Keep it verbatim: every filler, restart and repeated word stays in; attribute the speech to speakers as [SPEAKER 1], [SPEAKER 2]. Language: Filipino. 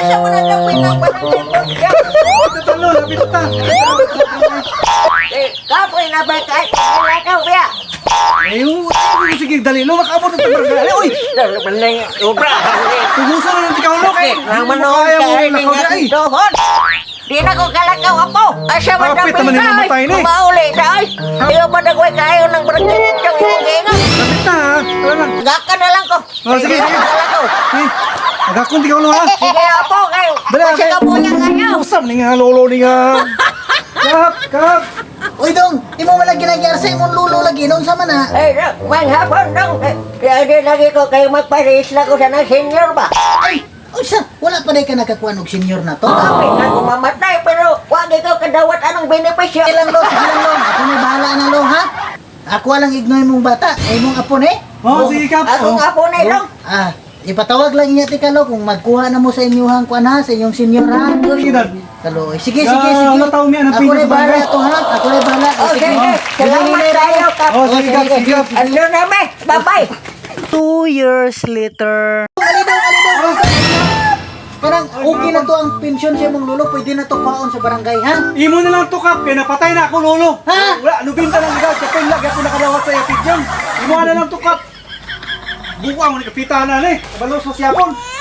[SPEAKER 1] Asa mo na lang pinagbarangay ko siya?
[SPEAKER 2] Tatalo, lapit ta.
[SPEAKER 1] Eh, kapoy na ba kahit nilakaw siya?
[SPEAKER 2] Ayun, ayun, sige, dali. Lo, makaabot ng tabarangay. Uy!
[SPEAKER 1] Dalo man lang yung obra.
[SPEAKER 2] Tugusan na ng tikaw, lo. Kaya,
[SPEAKER 1] Nang manood
[SPEAKER 2] kaya mo
[SPEAKER 1] ka rin
[SPEAKER 2] ng
[SPEAKER 1] nga
[SPEAKER 2] lakaw, ay.
[SPEAKER 1] dohon. Di na ko kalakaw apo. Asa mo na
[SPEAKER 2] Kapit naman yung mamatay na eh.
[SPEAKER 1] Mauli sa ay. Di ko pa nagway kayo ng barangay yung gingingan.
[SPEAKER 2] Lapit na, ha? Wala lang.
[SPEAKER 1] Gaka na lang ko.
[SPEAKER 2] Oh, sige, sige.
[SPEAKER 1] Kalakaw.
[SPEAKER 2] Eh, agakon tikaw, lo, ha?
[SPEAKER 1] Sige apo kayo.
[SPEAKER 2] Dali,
[SPEAKER 1] Kasi
[SPEAKER 2] okay.
[SPEAKER 1] ka po niya ngayon.
[SPEAKER 2] Usap ni nga, lolo ni nga. Kap, kap.
[SPEAKER 3] Uy dong, imo wala ginagyar sa imong lulo lagi noon sa mana.
[SPEAKER 1] Eh, mang hapon dong. Eh, Kaya di lagi ko kayo magparis na ko sa ng senior ba?
[SPEAKER 3] Ay, unsa, wala pa day ka nakakuha og senior na to.
[SPEAKER 1] Kami na ko mamatay pero wag ikaw kadawat anong benepisyo.
[SPEAKER 3] Sige lang lo, sige lang lo. Ako may bahala na lo ha. Ako lang ignoy mong bata, ay mong apo ni.
[SPEAKER 2] Oh, sige, kap.
[SPEAKER 1] Ako
[SPEAKER 2] Oh.
[SPEAKER 1] nga po na dong.
[SPEAKER 3] Ah, ipatawag lang niya ti kalo kung magkuha na mo sa inyong kuan ha, sa inyong senior ha.
[SPEAKER 2] Sige, dad.
[SPEAKER 3] Kalo, sige
[SPEAKER 2] Ya,
[SPEAKER 3] sige sige.
[SPEAKER 2] ano taon niya,
[SPEAKER 3] Ako
[SPEAKER 2] napili
[SPEAKER 3] na
[SPEAKER 2] sa
[SPEAKER 3] bahala
[SPEAKER 2] barangay.
[SPEAKER 3] to ha. Ako na bahala.
[SPEAKER 1] Oh, sige. Salamat tayo, Kap.
[SPEAKER 2] Oh, sige, Kap, sige, Kap.
[SPEAKER 1] Ano naman? Bye-bye.
[SPEAKER 3] Two years later. Alidaw, alidaw. Parang okay na to ang pensyon sa imong lulo, pwede na to kaon sa barangay ha.
[SPEAKER 2] Imo na lang to, kap. Kaya napatay na ako, lolo.
[SPEAKER 3] Ha?
[SPEAKER 2] Wala, nubinta lang agad. Kapag lagi ako nakalawat sa yapid dyan. Imo na lang to, kap. Buwa mo ni kapita na, ne. Kabalos mo siyapon.